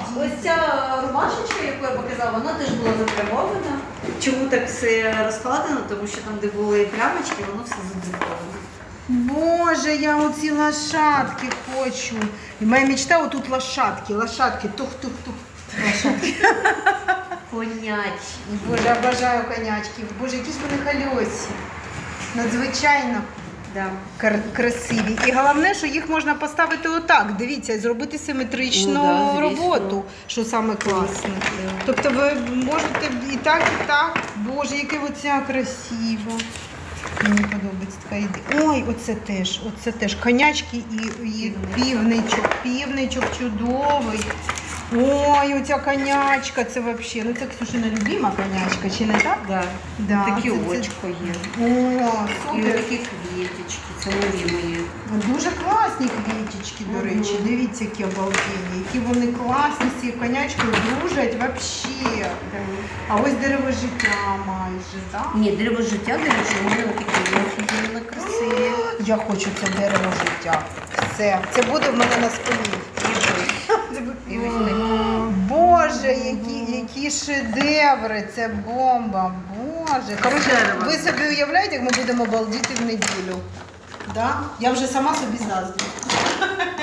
ось ця рубашечка, яку я показала, вона теж була задрапована. Чому так все розкладено? Тому що там, де були плямочки, воно все задруковано. Боже, я оці лошадки хочу. І моя мечта отут лошадки, тух-тух-тух. Лошадки. Конячі. Боже, обожаю конячки. Боже, які ж вони хальосі. Надзвичайно Да. красиві. І головне, що їх можна поставити отак. Дивіться, і зробити симетричну Ну, да, звісно. роботу, що саме класне. Тобто ви можете і так, і так. Боже, яке оця красива. Мені подобається така ідея. Ой, оце теж. Конячки і півничок чудовий. Ой, оця конячка, це взагалі, ну це Ксюшина любима конячка, чи не так? Да. Да, Такі це- очко є. О, І супер. такі квіточки, це нові мої. Дуже класні квіточки, до речі. Дивіться, які обалденні, які вони класні, з цією конячкою дружать взагалі. А ось дерево життя майже, так? Ні, дерево життя, до речі, у мене такі офігенно красиві. Я хочу це дерево життя. Все, це буде в мене на спині. І ось такі. Боже, які шедеври, це бомба, Боже. Коротше, Дерево. ви собі уявляєте, як ми будемо балдіти в неділю? Да? Я вже сама собі заздрю.